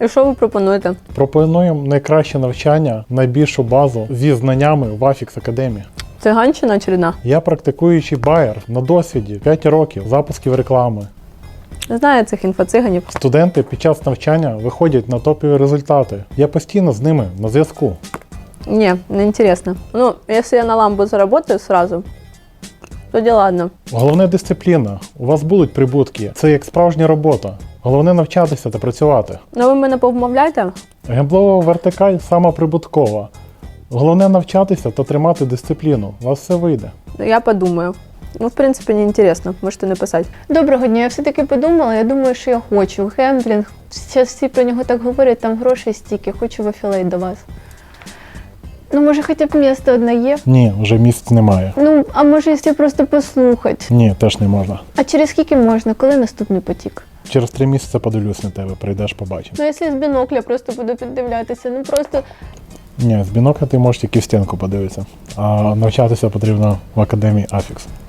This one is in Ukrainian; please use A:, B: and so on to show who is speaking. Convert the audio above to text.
A: І що ви пропонуєте?
B: Пропонуємо найкраще навчання, найбільшу базу зі знаннями в Афікс Академії.
A: Циганщина очередна?
B: Я практикуючий байер на досвіді 5 років запусків реклами.
A: Не знаю цих інфоциганів.
B: Студенти під час навчання виходять на топові результати. Я постійно з ними на зв'язку.
A: Не, не интересно. Ну, если я на ламбу заработаю сразу, тоді ладно.
B: Головне дисципліна. У вас будуть прибутки. Це як справжня робота. Головне навчатися та працювати.
A: Ну ви мене повмовляєте?
B: Гемблова вертикаль сама прибуткова. Головне навчатися та тримати дисципліну. У вас все вийде.
A: Я подумаю. Ну, в принципі, не інтересно. Можете написати.
C: Доброго дня, я все-таки подумала, я думаю, що я хочу. Гемблінг, зараз всі про нього так говорять, там грошей стільки, хочу в афілейт до вас. Ну, може, хоча б місто одне є?
B: Ні, вже місць немає.
C: Ну, а може, якщо просто послухати?
B: Ні, теж не можна.
C: А через скільки можна? Коли наступний потік?
B: Через 3 місяці подивлюсь на тебе, прийдеш, побачиш.
C: Ну, якщо з бінокля просто буду піддивлятися, ну просто...
B: Ні, з бінокля ти можеш тільки в стінку подивитися. А навчатися потрібно в Академії Афікс.